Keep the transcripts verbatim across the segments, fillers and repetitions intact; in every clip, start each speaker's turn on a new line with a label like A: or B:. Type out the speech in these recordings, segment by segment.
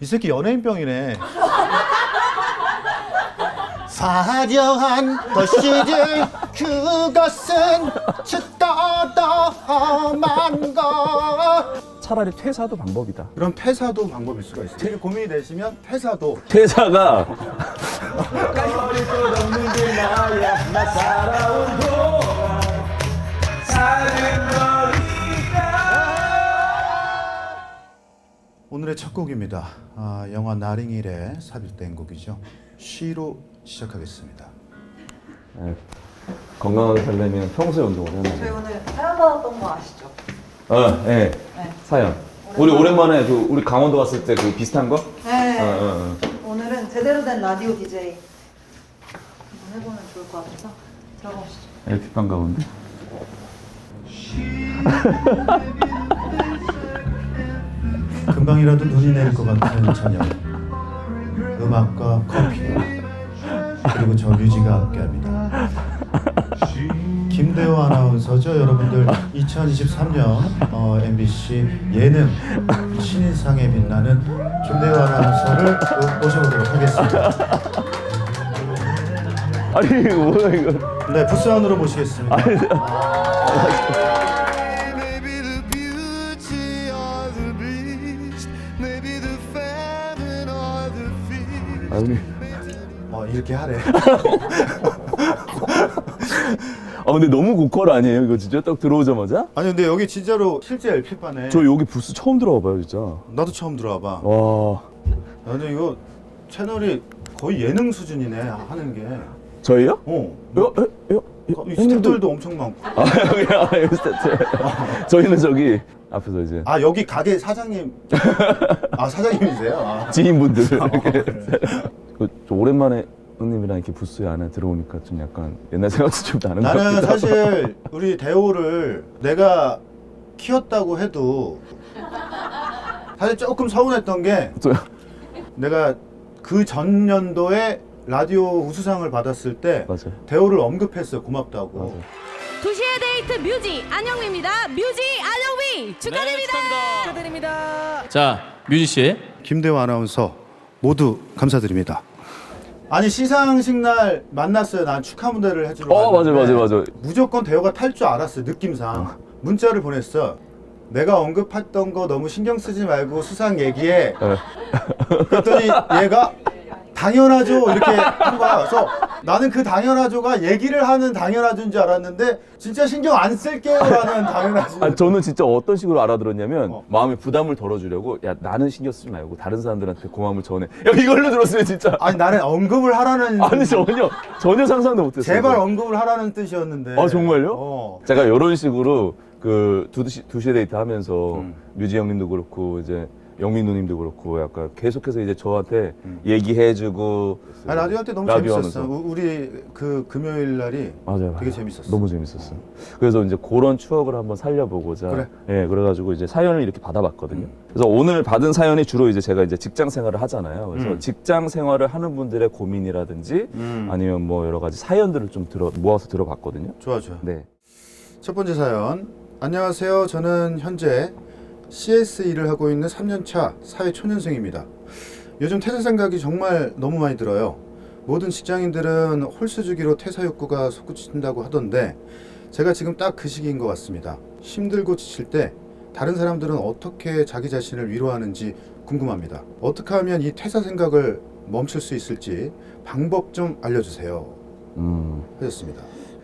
A: 이 새끼 연예인병이네. 화려한 것이지 그것은 쯧떠떠만 것.
B: 차라리 퇴사도 방법이다.
A: 그럼 퇴사도 방법일 수가 있어요. 되게 고민이 되시면 퇴사도.
B: 퇴사가
A: 오늘의 첫 곡입니다. 아, 영화 나링일에 삽입된 곡이죠. 쉬로 시작하겠습니다.
B: 네, 건강하게 살려면 평소에 운동을 해야
C: 저희
B: 돼요.
C: 오늘 사연 받았던 거 아시죠?
B: 어, 네.
C: 네.
B: 사연. 우리 오랜만에 그 우리 강원도 갔을 때 그 비슷한 거?
C: 네.
B: 어, 어, 어.
C: 오늘은 제대로 된 라디오 디제이 한번 해보면 좋을 것 같아서 들어보시죠.
B: 엘피판 가운데.
A: 금방이라도 눈이 내릴 것 같은 저녁. 음악과 커피 그리고 저 뮤지가 함께합니다. 김대호 아나운서죠. 여러분들 이천이십삼 년 어, 엠비씨 예능 신인상에 빛나는 김대호 아나운서를 모셔보도록 하겠습니다.
B: 아니 이거 뭐야 이거?
A: 네, 부스 안으로 모시겠습니다.
D: Maybe the beauty or the beast, maybe the famine or the feast.
B: 아니.
A: 어, 이렇게 하래.
B: 아 근데 너무 고퀄 아니에요 이거 진짜 딱 들어오자마자?
A: 아니 근데 여기 진짜로 실제 엘피판에
B: 저 여기 부스 처음 들어와봐요 진짜.
A: 나도 처음 들어와봐.
B: 와.
A: 나는 이거 채널이 거의 예능 수준이네 하는 게.
B: 저희요?
A: 어.
B: 요, 요, 요,
A: 이 스태프들도 엄청 많고.
B: 아 여기 아 여기 스태프. 저희는 저기 앞에서 이제
A: 아 여기 가게 사장님. 아 사장님이세요? 아.
B: 지인분들
A: 아,
B: 이렇게.
A: 그래.
B: 그, 저 오랜만에 형님이랑 이렇게 부스 안에 들어오니까 좀 약간 옛날 생각도 좀 나는 것 같기도
A: 나는
B: 하고.
A: 사실 우리 대호를 내가 키웠다고 해도 사실 조금 서운했던 게
B: 저요?
A: 내가 그 전년도에 라디오 우수상을 받았을 때
B: 맞아요.
A: 대호를 언급했어요. 고맙다고.
B: 맞아요.
E: 도시의 데이트 뮤지 안영미입니다. 뮤지 안영미 축하드립니다. 축하드립니다.
F: 자, 뮤지 씨.
A: 김대호 아나운서 모두 감사드립니다. 아니 시상식 날 만났어요. 난 축하 무대를 해주러
B: 어 맞아요
A: 왔는데
B: 맞아요 맞아요.
A: 무조건 대호가 탈 줄 알았어요. 느낌상. 문자를 보냈어. 내가 언급했던 거 너무 신경 쓰지 말고 수상 얘기해.
B: 네.
A: 그랬더니 얘가 당연하죠 이렇게 한 거야. 그래서 나는 그 당연하죠가 얘기를 하는 당연하죠인 줄 알았는데 진짜 신경 안 쓸게요라는 당연하죠.
B: 아 저는 진짜 어떤 식으로 알아들었냐면
A: 어.
B: 마음에 부담을 덜어주려고 야 나는 신경 쓰지 말고 다른 사람들한테 고마움을 전해. 야 이걸로 들었어요 진짜.
A: 아니 나는 언급을 하라는
B: 아니 전혀 전혀 상상도 못했어요.
A: 제발 언급을 하라는 뜻이었는데.
B: 아 정말요?
A: 어.
B: 제가 이런 식으로 그 두시 두시에 데이트 하면서
A: 음.
B: 뮤지 형님도 그렇고 이제 영민 누님도 그렇고 약간 계속해서 이제 저한테
A: 음.
B: 얘기해주고
A: 아 라디오 할 때 너무
B: 라디오
A: 재밌었어.
B: 하면서.
A: 우- 우리 그 금요일 날이
B: 맞아요,
A: 되게
B: 맞아요.
A: 재밌었어.
B: 너무 재밌었어. 그래서 이제 그런 추억을 한번 살려보고자
A: 그래.
B: 예 그래가지고 이제 사연을 이렇게 받아봤거든요.
A: 음.
B: 그래서 오늘 받은 사연이 주로 이제 제가 이제 직장 생활을 하잖아요. 그래서
A: 음.
B: 직장 생활을 하는 분들의 고민이라든지
A: 음.
B: 아니면 뭐 여러 가지 사연들을 좀 들어 모아서 들어봤거든요.
A: 좋아 좋아.
B: 네.
A: 첫 번째 사연. 안녕하세요. 저는 현재 씨에스 일을 하고 있는 삼 년 차 사회 초년생입니다. 요즘 퇴사 생각이 정말 너무 많이 들어요. 모든 직장인들은 홀수 주기로 퇴사 욕구가 솟구친다고 하던데 제가 지금 딱 그 시기인 것 같습니다. 힘들고 지칠 때 다른 사람들은 어떻게 자기 자신을 위로하는지 궁금합니다. 어떻게 하면 이 퇴사 생각을 멈출 수 있을지 방법 좀 알려주세요.
B: 음.
A: 하셨습니다.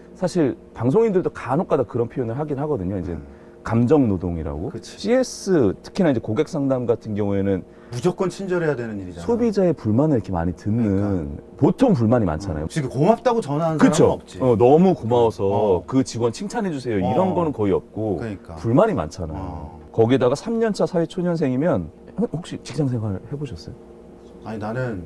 B: 사실 방송인들도 간혹가다 그런 표현을 하긴 하거든요. 이제 감정 노동이라고.
A: 그치.
B: 씨에스 특히나 이제 고객 상담 같은 경우에는
A: 무조건 친절해야 되는 일이잖아.
B: 소비자의 불만을 이렇게 많이 듣는 보통 불만이 많잖아요.
A: 지금 고맙다고 전화하는
B: 그쵸?
A: 사람은 없지.
B: 어, 너무 고마워서
A: 어.
B: 그 직원 칭찬해 주세요.
A: 어.
B: 이런 거는 거의 없고
A: 그러니까.
B: 불만이 많잖아요.
A: 어.
B: 거기다가 삼 년 차 사회 초년생이면 혹시 직장 생활 해보셨어요?
A: 아니 나는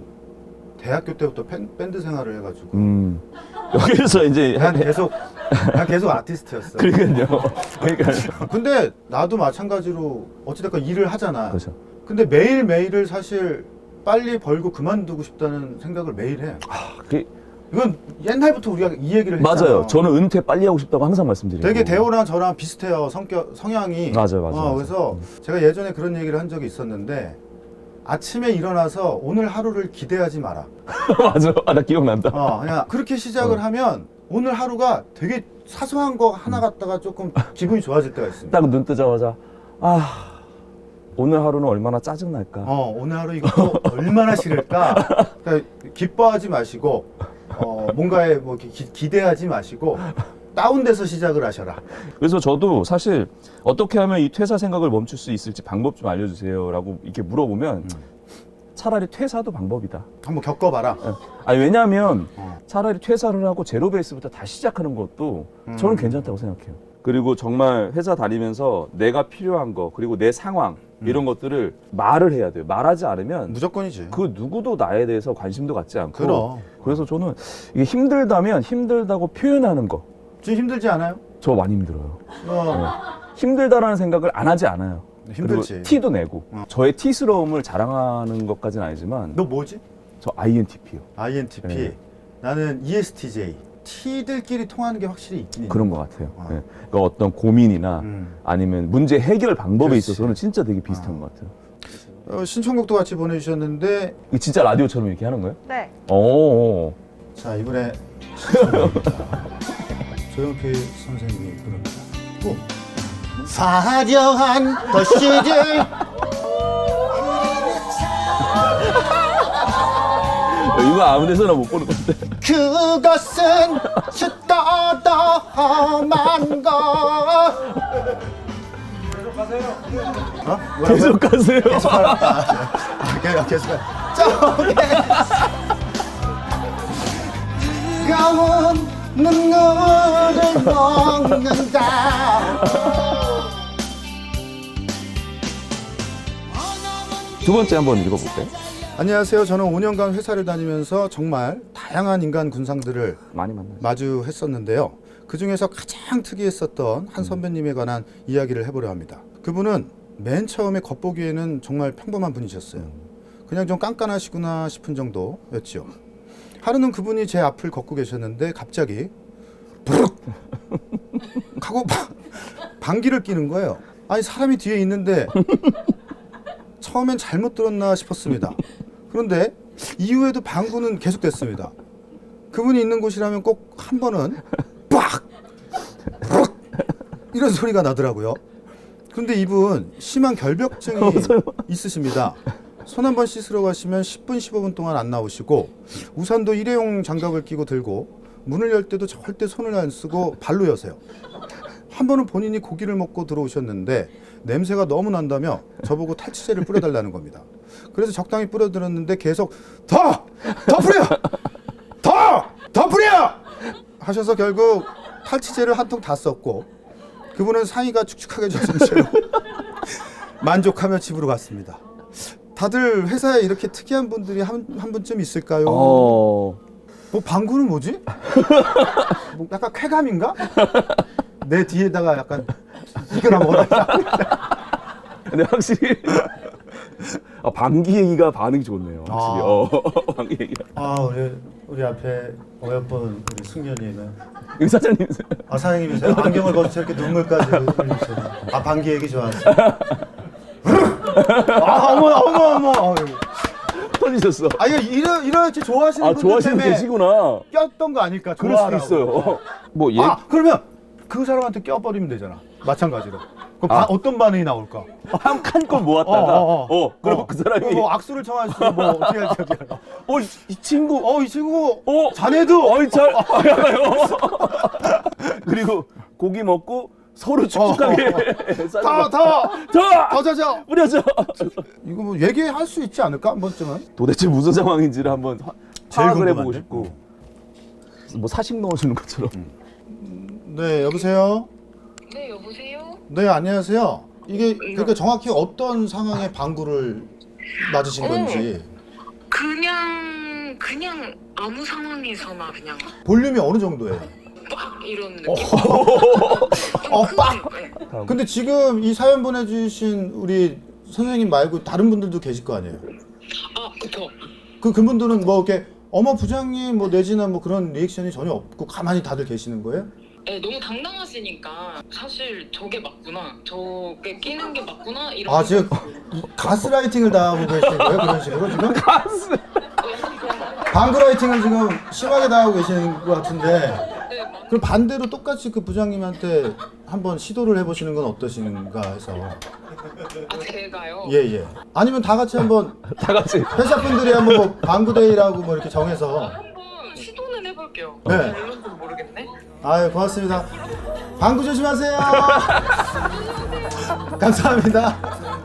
A: 대학교 때부터 팬, 밴드 생활을 해가지고
B: 음 여기서 이제
A: 난 계속 난 계속 아티스트였어.
B: 그러니까요. 그러니까
A: 근데 나도 마찬가지로 어찌됐건 일을 하잖아.
B: 그렇죠.
A: 근데 매일 매일을 사실 빨리 벌고 그만두고 싶다는 생각을 매일 해.
B: 그,
A: 이건 옛날부터 우리가 이 얘기를 했잖아.
B: 맞아요. 저는 은퇴 빨리 하고 싶다고 항상 말씀드리고.
A: 되게 대호랑 저랑 비슷해요. 성격 성향이.
B: 맞아요, 맞아요,
A: 어,
B: 맞아요.
A: 그래서 제가 예전에 그런 얘기를 한 적이 있었는데 아침에 일어나서 오늘 하루를 기대하지 마라.
B: 맞아. 아, 나 기억난다.
A: 어, 그냥 그렇게 시작을
B: 어.
A: 하면 오늘 하루가 되게 사소한 거 하나 갖다가 조금 기분이 좋아질 때가 있습니다.
B: 딱 눈 뜨자마자 아 오늘 하루는 얼마나 짜증날까.
A: 어, 오늘 하루 이것도 얼마나 싫을까. 그러니까 기뻐하지 마시고 어, 뭔가에 뭐 기, 기대하지 마시고 다운돼서 시작을 하셔라.
B: 그래서 저도 사실 어떻게 하면 이 퇴사 생각을 멈출 수 있을지 방법 좀 알려주세요라고 이렇게 물어보면
A: 음.
B: 차라리 퇴사도 방법이다.
A: 한번 겪어봐라.
B: 아니 왜냐하면
A: 어.
B: 차라리 퇴사를 하고 제로 베이스부터 다시 시작하는 것도
A: 음.
B: 저는 괜찮다고 생각해요. 그리고 정말 회사 다니면서 내가 필요한 거 그리고 내 상황
A: 음.
B: 이런 것들을 말을 해야 돼요. 말하지 않으면
A: 무조건이지.
B: 그 누구도 나에 대해서 관심도 갖지 않고
A: 그럼.
B: 그래서 저는 이게 힘들다면 힘들다고 표현하는 거 저
A: 지금 힘들지 않아요?
B: 많이 힘들어요.
A: 어.
B: 힘들다라는 생각을 안 하지 않아요.
A: 힘들지.
B: 그리고 티도 내고
A: 어.
B: 저의 티스러움을 자랑하는 것까지는 아니지만
A: 너 뭐지?
B: 저 아이엔티피요.
A: 아이엔티피.
B: 네.
A: 나는 이에스티제이. T들끼리 통하는 게 확실히 있긴
B: 그런
A: 있는
B: 것 같아요.
A: 어.
B: 예. 그러니까 어떤 고민이나
A: 음.
B: 아니면 문제 해결 방법에
A: 그렇지.
B: 있어서는 진짜 되게 비슷한 것 같아요.
A: 어, 신청곡도 같이 보내주셨는데
B: 이게 진짜 라디오처럼 이렇게 하는 거예요?
C: 네.
B: 오.
A: 자 이번에 신청곡입니다. 조용필 선생님이 부릅니다. 오. 화려한 도시들
B: 이거 아무 데서나 못 보는 건데.
A: 그것은 수떠떠만 것. 계속 가세요. 어?
B: 계속 가세요.
A: 계속 가라. 아, 계속 계속 가. 저게 뜨거운 눈물을 먹는다.
B: 두 번째 한번 읽어볼까요?
A: 안녕하세요. 저는 오 년간 회사를 다니면서 정말 다양한 인간 군상들을
B: 많이 만나요.
A: 마주했었는데요. 그 중에서 가장 특이했었던 한 선배님에 관한 이야기를 해보려 합니다. 그분은 맨 처음에 겉보기에는 정말 평범한 분이셨어요. 그냥 좀 깐깐하시구나 싶은 정도였죠. 하루는 그분이 제 앞을 걷고 계셨는데 갑자기 부르륵 하고 방귀를 뀌는 거예요. 아니 사람이 뒤에 있는데 처음엔 잘못 들었나 싶었습니다. 그런데 이후에도 방구는 계속됐습니다. 그분이 있는 곳이라면 꼭 한 번은 빡! 빡! 이런 소리가 나더라고요. 그런데 이분 심한 결벽증이 있으십니다. 손 한 번 씻으러 가시면 십 분, 십오 분 동안 안 나오시고 우산도 일회용 장갑을 끼고 들고 문을 열 때도 절대 손을 안 쓰고 발로 여세요. 한 번은 본인이 고기를 먹고 들어오셨는데 냄새가 너무 난다며 저보고 탈취제를 뿌려달라는 겁니다. 그래서 적당히 뿌려드렸는데 계속 더! 더 뿌려! 더! 더 뿌려! 하셔서 결국 탈취제를 한 통 다 썼고 그분은 상의가 축축하게 젖은 채로 만족하며 집으로 갔습니다. 다들 회사에 이렇게 특이한 분들이 한, 한 분쯤 있을까요?
B: 어.
A: 뭐 방구는 뭐지? 뭐 약간 쾌감인가? 내 뒤에다가 약간 이거나 먹어라.
B: 근데 확실히 아, 방귀 얘기가 반응이 좋네요. 확실히.
A: 아.
B: 어, 방귀 얘기가.
A: 아 우리 우리 앞에 어여쁜 우리 승려님은
B: 여기 사장님.
A: 아 사장님이세요? 안경을 벗으셔 이렇게 눈물까지 흘리시네. 아 방귀 얘기 좋아하세요? 아 어머 어머 어머.
B: 터지셨어.
A: 아 이거 이러 이렇게 좋아하시는
B: 아,
A: 분들
B: 좋아하시는
A: 때문에
B: 계시구나.
A: 꼈던 거 아닐까?
B: 그럴 수도
A: 좋아하라고.
B: 있어요. 뭐 얘.
A: 아 그러면 그 사람한테 껴버리면 되잖아. 마찬가지로. 그럼 바-
B: 아.
A: 어떤 반응이 나올까?
B: 한칸걸 모았다가
A: 어,
B: 어,
A: 어, 어.
B: 그럼
A: 어.
B: 그 사람이
A: 뭐 악수를 청할 수 뭐 어떻게 할지 어떻게 알아?
B: 어, 이, 이 친구
A: 어 이 친구
B: 어,
A: 자네도
B: 어이 잘 알아요. 그리고 고기 먹고 서로 축축하게
A: 더더더 더,
B: 더
A: 더 자자.
B: 뿌려줘.
A: 이거 뭐 얘기할 수 있지 않을까 한 번쯤은?
B: 도대체 무슨 상황인지를 한번 화-
A: 제일
B: 파악을 해보고
A: 궁금한데?
B: 싶고 뭐 사식 넣어주는 것처럼.
A: 네 여보세요.
F: 네, 여보세요?
A: 네 안녕하세요. 이게 그러니까 정확히 어떤 상황에 방구를 맞으신 건지
F: 그냥 그냥 아무 상황에서나 그냥
A: 볼륨이 어느 정도예요?
F: 빡 이런 느낌.
A: 어 빡.
F: 네.
A: 근데 지금 이 사연 보내주신 우리 선생님 말고 다른 분들도 계실 거 아니에요?
F: 아, 그쵸.
A: 그 그분들은 뭐 이렇게 어머 부장님 뭐 내지나 뭐 그런 리액션이 전혀 없고 가만히 다들 계시는 거예요?
F: 네, 너무 당당하시니까 사실 저게 맞구나, 저게 끼는 게 맞구나 이런.
A: 아 지금 이- 가스라이팅을 당하고 계신 거예요? 그런 식으로 지금?
B: 가스.
A: 방그라이팅을 지금 심하게 당하고 계시는 것 같은데
F: 네, 맞-
A: 그럼 반대로 똑같이 그 부장님한테 한번 시도를 해보시는 건 어떠신가 해서.
F: 아, 제가요.
A: 예예. 아니면 다 같이 한번
B: 다 같이.
A: 회사 분들이 한번 뭐 방구데이라고 뭐 이렇게 정해서.
F: 한번 시도는 해볼게요.
A: 네.
F: 별론지는 모르겠네.
A: 아유 고맙습니다. 방구 조심하세요. 감사합니다.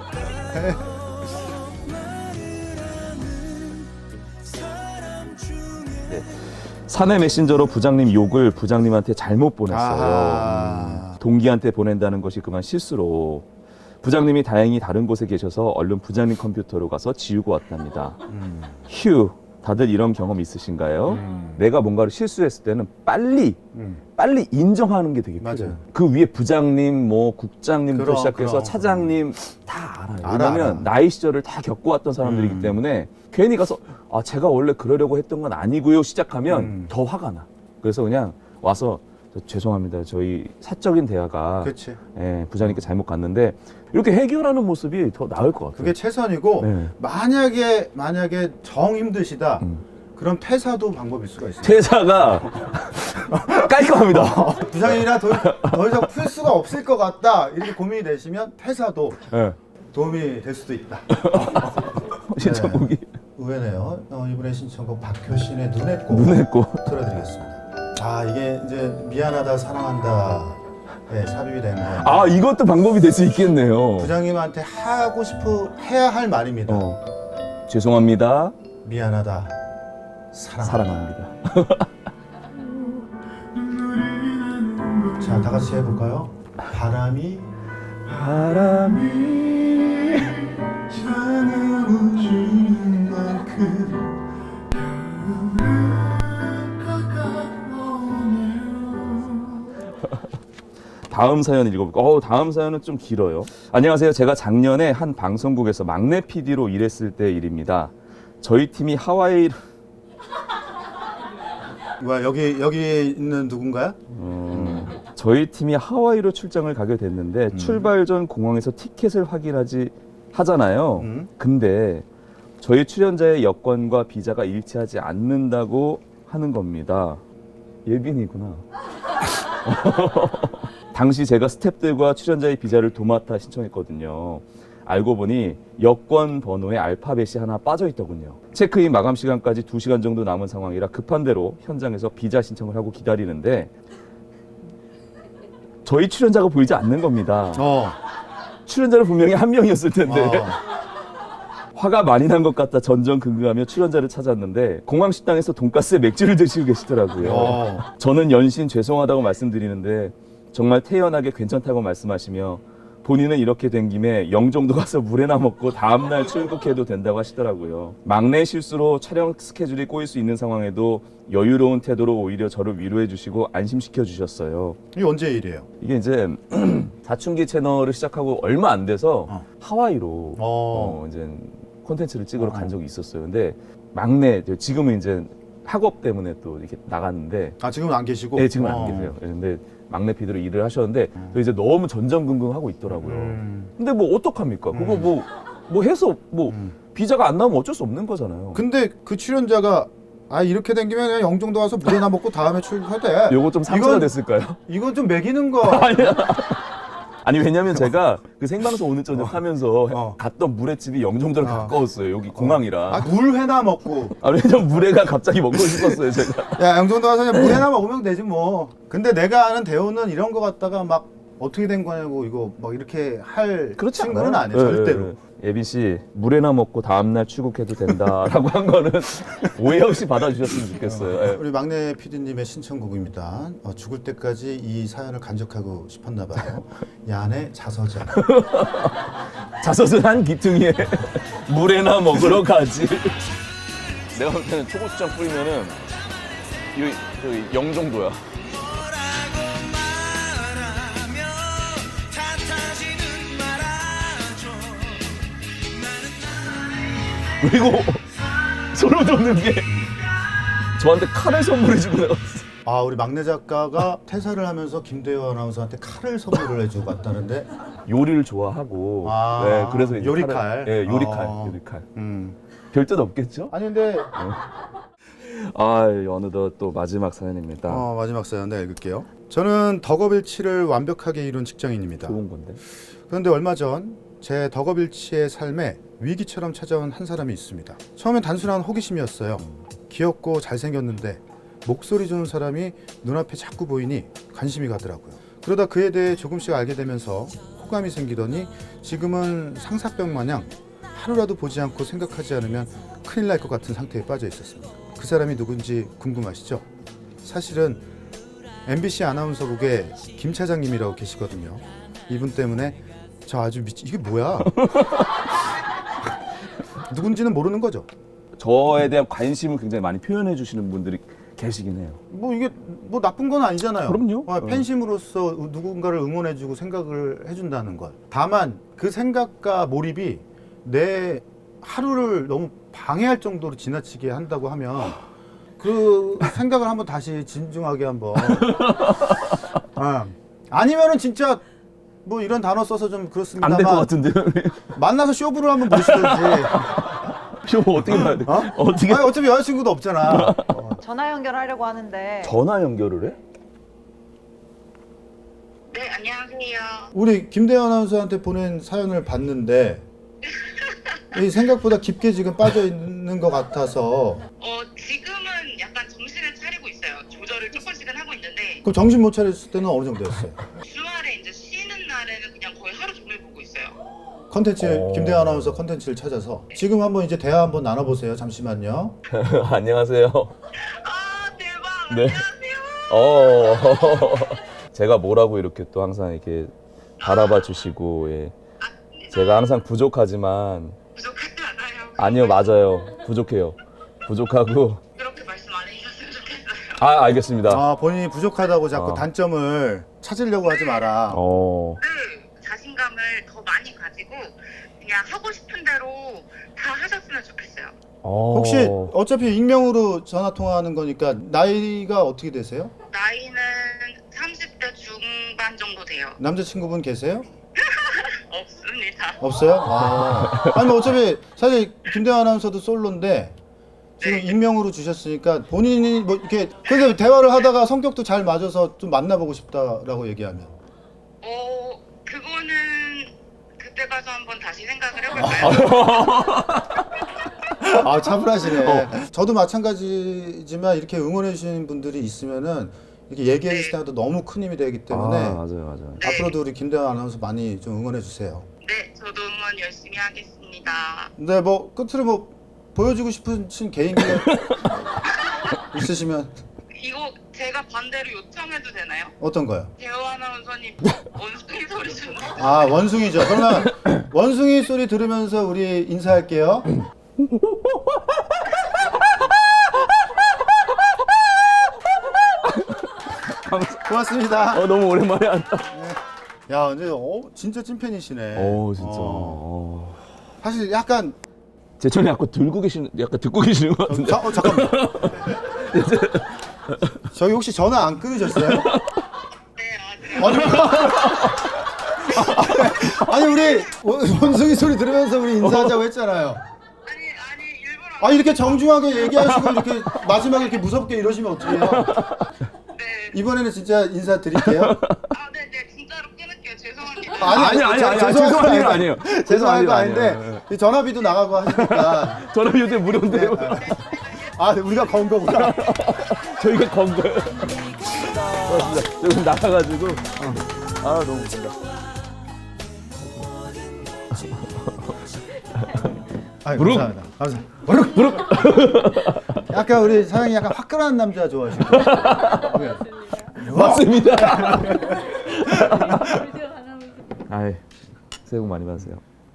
B: 사내 메신저로 부장님 욕을 부장님한테 잘못 보냈어요.
A: 아하.
B: 동기한테 보낸다는 것이 그만 실수로 부장님이 다행히 다른 곳에 계셔서 얼른 부장님 컴퓨터로 가서 지우고 왔답니다.
A: 음.
B: 휴, 다들 이런 경험 있으신가요?
A: 음.
B: 내가 뭔가를 실수했을 때는 빨리
A: 음.
B: 빨리 인정하는 게 되게
A: 맞아요.
B: 필요해요. 그 위에 부장님, 뭐 국장님부터
A: 그럼,
B: 시작해서
A: 그럼.
B: 차장님 다 알아요.
A: 알아,
B: 왜냐면
A: 알아.
B: 나이 시절을 다 겪어왔던 사람들이기
A: 음.
B: 때문에 괜히 가서 아 제가 원래 그러려고 했던 건 아니고요 시작하면
A: 음.
B: 더 화가 나. 그래서 그냥 와서 저 죄송합니다. 저희 사적인 대화가
A: 그렇지.
B: 예, 부장님께 잘못 갔는데 이렇게 해결하는 모습이 더 나을 것 같아요.
A: 그게 최선이고
B: 네.
A: 만약에 만약에 정 힘드시다.
B: 음.
A: 그럼 퇴사도 방법일 수가 있어요.
B: 퇴사가 깔끔합니다.
A: 부장님이랑 더, 더 이상 풀 수가 없을 것 같다 이렇게 고민이 되시면 퇴사도
B: 예.
A: 도움이 될 수도 있다.
B: 신청곡이
A: 의외네요. 어, 이번에 신청곡 박효신의 눈에 꽃
B: 눈에 꽃.
A: 틀어드리겠습니다. 아 이게 이제 미안하다 사랑한다 예, 삽입이 된 거예요.
B: 아 이것도 방법이 될 수 있겠네요.
A: 부장님한테 하고 싶어 해야 할 말입니다.
B: 어. 죄송합니다.
A: 미안하다 사랑.
B: 사랑합니다.
A: 자, 다 같이 해볼까요? 바람이
B: 바람이
A: 향해오는 만큼
B: 다음 사연 읽어볼까? 어, 다음 사연은 좀 길어요. 안녕하세요. 제가 작년에 한 방송국에서 막내 피디로 일했을 때 일입니다. 저희 팀이 하와이
A: 뭐야 여기 여기 있는 누군가요?
B: 음, 저희 팀이 하와이로 출장을 가게 됐는데 출발 전 공항에서 티켓을 확인하지 하잖아요.
A: 음.
B: 근데 저희 출연자의 여권과 비자가 일치하지 않는다고 하는 겁니다. 예빈이구나. 당시 제가 스태프들과 출연자의 비자를 도맡아 신청했거든요. 알고 보니 여권 번호에 알파벳이 하나 빠져 있더군요. 체크인 마감 시간까지 두 시간 정도 남은 상황이라 급한 대로 현장에서 비자 신청을 하고 기다리는데 저희 출연자가 보이지 않는 겁니다.
A: 어.
B: 출연자는 분명히 한 명이었을 텐데
A: 어.
B: 화가 많이 난 것 같다 전전긍긍하며 출연자를 찾았는데 공항 식당에서 돈가스에 맥주를 드시고 계시더라고요.
A: 어.
B: 저는 연신 죄송하다고 말씀드리는데 정말 태연하게 괜찮다고 말씀하시며 본인은 이렇게 된 김에 영종도 가서 물에나 먹고 다음날 출국해도 된다고 하시더라고요. 막내 실수로 촬영 스케줄이 꼬일 수 있는 상황에도 여유로운 태도로 오히려 저를 위로해 주시고 안심시켜 주셨어요.
A: 이게 언제 일이에요?
B: 이게 이제 사춘기 채널을 시작하고 얼마 안 돼서
A: 어.
B: 하와이로
A: 어.
B: 어, 이제 콘텐츠를 찍으러
A: 어.
B: 간 적이 있었어요. 근데 막내 지금은 이제 학업 때문에 또 이렇게 나갔는데
A: 아 지금은 안 계시고?
B: 네, 지금
A: 어.
B: 안 계세요. 예, 근데 막내 피디로 일을 하셨는데 또 이제 너무 전전긍긍하고 있더라고요.
A: 음.
B: 근데 뭐 어떡합니까? 그거 뭐 뭐 해서 뭐
A: 음.
B: 비자가 안 나오면 어쩔 수 없는 거잖아요.
A: 근데 그 출연자가 아 이렇게 된 김에 그냥 영종도 가서 물에나 먹고 다음에 출국할 때
B: 요거 좀 상처가
A: 이건-
B: 됐을까요?
A: 이건 좀 매기는 거
B: 아니 왜냐면 제가 그 생방송 오늘 저녁 하면서
A: 어.
B: 갔던 물회집이 영종도랑
A: 어.
B: 가까웠어요. 여기 공항이라.
A: 아, 물회나 먹고
B: 아, 왜냐면 물회가 갑자기 먹고 싶었어요, 제가.
A: 야 영종도 가서 그냥 물회나 먹으면 되지 뭐. 근데 내가 아는 대호는 이런 거 갖다가 막 어떻게 된 거냐고 이거 막 이렇게 할
B: 그렇지
A: 친구는
B: 않아요.
A: 아니에요. 절대로.
B: 예, 예. 예빈 씨, 물회나 먹고 다음날 출국해도 된다라고 한 거는 오해 없이 받아주셨으면 좋겠어요. 예.
A: 우리 막내 피디님의 신청곡입니다. 어, 죽을 때까지 이 사연을 간직하고 싶었나 봐요. 야네 자서전.
B: 자서전 한 기퉁이에 물회나 먹으러 가지. 내가 볼 때는 초고추장 뿌리면은 이 저기 영종도야. 그리고 소름 돋는 게 저한테 칼을 선물해 주고 나갔어.
A: 아 우리 막내 작가가 퇴사를 하면서 김대호 아나운서한테 칼을 선물을 해주고 갔다는데.
B: 요리를 좋아하고
A: 아,
B: 네, 그래서 이제
A: 요리칼.
B: 칼을- 예, 요리칼,
A: 어.
B: 요리칼.
A: 음.
B: 별 뜻 없겠죠?
A: 아니 근데
B: 아, 어느덧 또 마지막 사연입니다.
A: 어, 마지막 사연 내가 읽을게요. 저는 덕업일치를 완벽하게 이룬 직장인입니다.
B: 좋은 건데.
A: 그런데 얼마 전 제 덕업일치의 삶에 위기처럼 찾아온 한 사람이 있습니다. 처음엔 단순한 호기심이었어요. 귀엽고 잘생겼는데 목소리 좋은 사람이 눈앞에 자꾸 보이니 관심이 가더라고요. 그러다 그에 대해 조금씩 알게 되면서 호감이 생기더니 지금은 상사병 마냥 하루라도 보지 않고 생각하지 않으면 큰일 날 것 같은 상태에 빠져 있었습니다. 그 사람이 누군지 궁금하시죠? 사실은 엠비씨 아나운서국의 김 차장님이라고 계시거든요. 이분 때문에 저 아주 미치... 이게 뭐야? 누군지는 모르는 거죠.
B: 저에 대한 관심을 굉장히 많이 표현해 주시는 분들이 계시긴 해요.
A: 뭐 이게 뭐 나쁜 건 아니잖아요.
B: 그럼요.
A: 어, 팬심으로서 누군가를 응원해주고 생각을 해준다는 것. 다만 그 생각과 몰입이 내 하루를 너무 방해할 정도로 지나치게 한다고 하면 그 생각을 한번 다시 진중하게 한번. 어. 아니면은 진짜 뭐 이런 단어 써서 좀 그렇습니다만
B: 안 될 것 같은데요.
A: 만나서 쇼부를 한번 보시든지.
B: 쇼 어떻게 봐야 돼?
A: 어?
B: 어떻게
A: 아니, 어차피 여자친구도 없잖아. 어.
C: 전화 연결하려고 하는데
B: 전화 연결을 해?
F: 네, 안녕하세요.
A: 우리 김대현 아나운서한테 보낸 사연을 봤는데 이 생각보다 깊게 지금 빠져 있는 것 같아서.
F: 어, 지금은 약간 정신을 차리고 있어요. 조절을 조금씩은 하고 있는데
A: 그럼 정신 못 차렸을 때는 어느 정도였어요?
F: 주말에 이제 쉬는 날에는 그냥 거의 하루 종일 보고 있어요.
A: 컨텐츠
B: 어.
A: 김대현 아나운서 컨텐츠를 찾아서 지금 한번 이제 대화 한번 나눠보세요. 잠시만요.
B: 안녕하세요.
F: 아, 대박.
B: 네.
F: 안녕하세요.
B: 어. 제가 뭐라고 이렇게 또 항상 이렇게 바라봐 주시고 예. 제가 항상 부족하지만
F: 부족하지 않아요.
B: 아니요 맞아요 부족해요 부족하고
F: 그렇게 말씀 안 해주셨으면 좋겠어요.
B: 아 알겠습니다.
A: 아 본인이 부족하다고 자꾸
B: 어.
A: 단점을 찾으려고 하지 마라.
B: 어.
F: 네, 자신감을 더 많이 가지고 그냥 하고 싶은 대로 다 하셨으면 좋겠어요.
B: 어.
A: 혹시 어차피 익명으로 전화 통화하는 거니까 나이가 어떻게 되세요?
F: 나이는 삼십 대 중반 정도 돼요.
A: 남자친구분 계세요?
F: 없습니다.
A: 없어요? 아. 아니 뭐 어차피 사실 김대현 아나운서도 솔로인데 지금 익명으로 주셨으니까 본인이 뭐 이렇게 근데 대화를 하다가 성격도 잘 맞아서 좀 만나보고 싶다라고 얘기하면
F: 어, 그거는 그때 가서 한번 다시 생각을 해볼까요?
A: 아 차분하시네. 저도 마찬가지지만 이렇게 응원해 주시는 분들이 있으면은 이렇게 얘기해 주실 때마다 너무 큰 힘이 되기 때문에
B: 아, 맞아요 맞아요.
F: 네.
A: 앞으로도 우리 김대현 아나운서 많이 좀 응원해 주세요.
F: 네, 저도 응원 열심히 하겠습니다.
A: 근데 뭐 끝으로 뭐 보여주고 싶으신 개인기 있으시면
F: 이거 제가 반대로 요청해도 되나요?
A: 어떤 거요?
F: 대호 아나운서님 원숭이 소리 좀.
A: 아 원숭이죠. 그러면 원숭이 소리 들으면서 우리 인사할게요. 고맙습니다.
B: 어 너무 오랜만에 한다.
A: 야, 근데 어, 진짜 찐팬이시네.
B: 어 진짜.
A: 어.
B: 어.
A: 사실 약간
B: 제 전에 약간 들고 계시는 약간 듣고 계시는 것 같은데.
A: 자, 어, 잠깐만. 저희 혹시 전화 안 끊으셨어요?
F: 네, 아직.
A: 아니, 아니 우리 원- 원숭이 소리 들으면서 우리 인사하자고 했잖아요.
F: 아니, 아니, 일부러.
A: 아 이렇게 정중하게 얘기하시고 이렇게 마지막에 이렇게 무섭게 이러시면 어떡해요?
F: 네.
A: 이번에는 진짜 인사드릴게요.
F: 아, 네, 네, 진짜로 끊을게요. 죄송합니다.
B: 아니, 아니,
A: 저-
B: 아니,
A: 죄송한
B: 죄송한
A: 거
B: 일
A: 아니에요.
B: 아니에요.
A: 죄송한
B: 죄송한
A: 거
B: 일
A: 아닌데
B: 아니에요.
A: 이 전화비도 나가고 하시니까
B: 저는 요새 무료인데요.
A: 아 우리가 건 거구나.
B: 저희가 건 거예요. 고맙습니다. 조금 나가가지고. 아 너무 웃긴다.
A: 아이,
B: 무릎.
A: 감사합니다. 감사합니다. 무릎 무릎. 약간 우리 사장님 약간 화끈한 남자 좋아하시고.
B: 맞습니다. 아이 새해 복 많이 받으세요.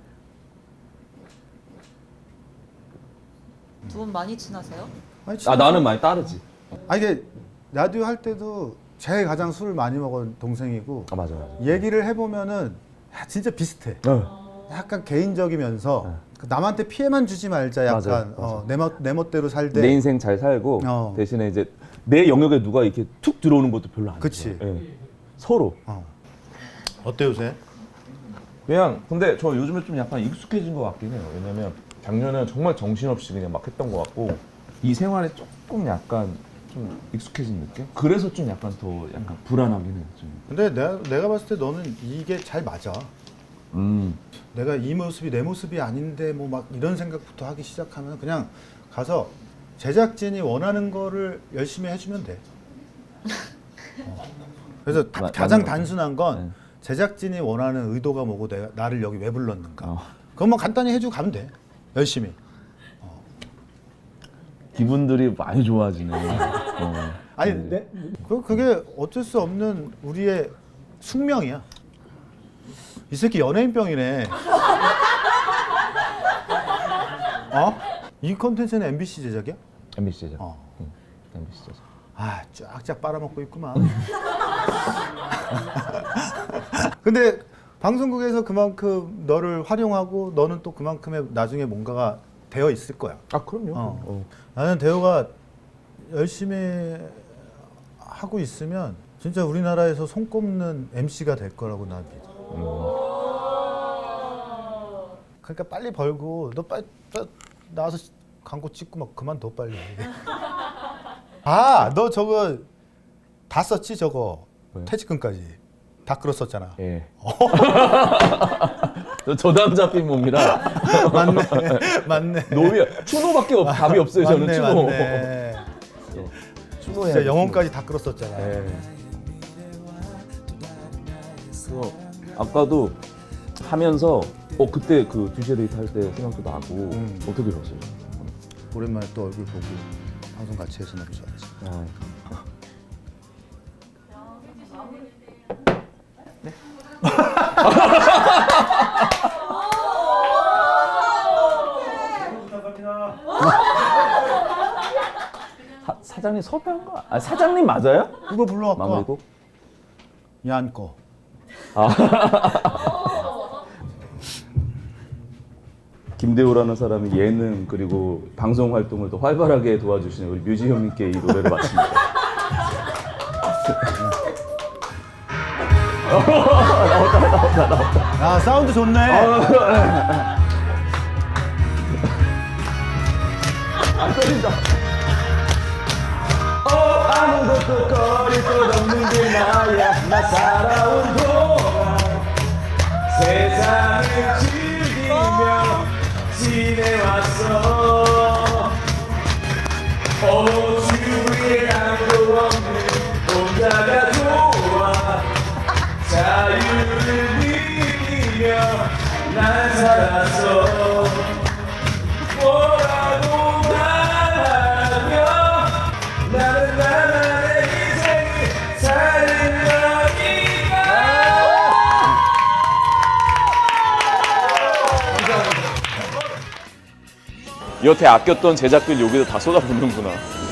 C: 두 분 많이 친하세요?
A: 아니,
B: 아 나는 많이 따르지.
A: 아 이게 라디오 할 때도 제일 가장 술을 많이 먹은 동생이고
B: 아 맞아 맞아.
A: 얘기를 해보면은 야, 진짜 비슷해.
B: 어.
A: 약간 개인적이면서 그 남한테 피해만 주지 말자 약간
B: 맞아요, 맞아요.
A: 어, 내, 멋, 내 멋대로 살되
B: 내 인생 잘 살고
A: 어.
B: 대신에 이제 내 영역에 누가 이렇게 툭 들어오는 것도 별로 안
A: 그치.
B: 좋아요. 예. 서로.
A: 어. 어때 요새?
B: 그냥 근데 저 요즘에 좀 약간 익숙해진 것 같긴 해요. 왜냐면 작년에는 정말 정신없이 그냥 막 했던 것 같고 이 생활에 조금 약간 좀 익숙해진 느낌? 그래서 좀 약간 더 약간 불안하긴 해요. 좀.
A: 근데 내가, 내가 봤을 때 너는 이게 잘 맞아.
B: 음.
A: 내가 이 모습이 내 모습이 아닌데 뭐 막 이런 생각부터 하기 시작하면 그냥 가서 제작진이 원하는 거를 열심히 해주면 돼. 어. 그래서 다-
B: 마-
A: 가장
B: 맞는 것
A: 단순한 건
B: 네.
A: 제작진이 원하는 의도가 뭐고 내가 나를 여기 왜 불렀는가.
B: 어.
A: 그것만 간단히 해주고 가면 돼. 열심히.
B: 기분들이 많이 좋아지네. 어.
A: 아니,
B: 네.
A: 내, 그, 그게 어쩔 수 없는 우리의 숙명이야. 이 새끼 연예인병이네. 어? 이 콘텐츠는 엠비씨 제작이야?
B: 엠비씨 제작.
A: 어.
B: 응. 엠비씨 제작.
A: 아, 쫙쫙 빨아먹고 있구만. 근데 방송국에서 그만큼 너를 활용하고 너는 또 그만큼의 나중에 뭔가가 되어 있을 거야.
B: 아 그럼요.
A: 어.
B: 어.
A: 나는 대호가 열심히 하고 있으면 진짜 우리나라에서 손꼽는 엠씨가 될 거라고 난 믿어.
B: 음.
A: 그러니까 빨리 벌고 너 빨리, 빨리 나와서 광고 찍고 막 그만둬 빨리. 아, 너 저거 다 썼지 저거
B: 뭐요?
A: 퇴직금까지 다 끌었었잖아.
B: 예. 저 저담 잡힌 몸이라
A: 맞네, 맞네.
B: 노비 추노밖에 없, 답이 없어요. 저는
A: 맞네,
B: 추노.
A: 맞네.
B: 추노해야
A: 진짜 영혼까지 다 끌었었잖아.
B: 예. 그래서 아까도 하면서 어 그때 그 두시에 데이트 할 때 생각도 나고
A: 음.
B: 어떻게 들었어요?
A: 오랜만에 또 얼굴 보고 방송 같이 해서 너무 좋았지.
B: 아, 사, 사장님 섭외한 거? 아 사장님 맞아요?
A: 그거 불러왔고.
B: 마무리곡?
A: 야한 거.
B: 김대호라는 사람이 예능 그리고 방송 활동을 더 활발하게 도와주시는 우리 뮤지 형님께 이 노래를 마칩니다.
A: 야, 사운드 좋네.
B: 안 떨린다. 어 아무것도 거릴 것 없는 게 나야. 나 살아온 동안 세상을 즐기며 지내왔어. 어 주위에 아무도 없는 혼자가 좋아. 자유를 느끼며 난 살았어. 뭐라고 말하며 나는 나만의 인생을 사는 거니까. 여태 아꼈던 제작비를 여기서 다 쏟아붓는구나.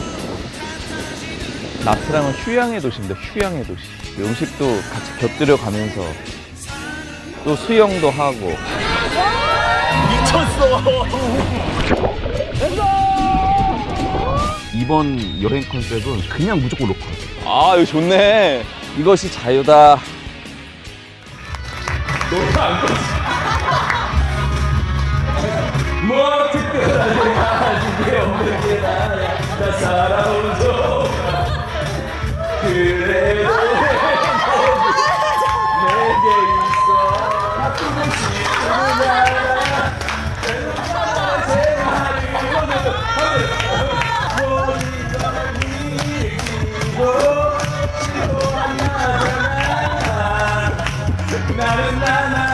B: 나트랑은 휴양의 도시입니다. 휴양의 도시. 음식도 같이 곁들여 가면서 또 수영도 하고. 이번 여행 컨셉은 그냥 무조건 로컬. 아, 이거 좋네. 이것이 자유다. 뭐 특별하게 가진 게 없는 게 나야. 나 살아온 동안 그래도 내게 있어. 바꾸고 싶은 나야. 나는 나나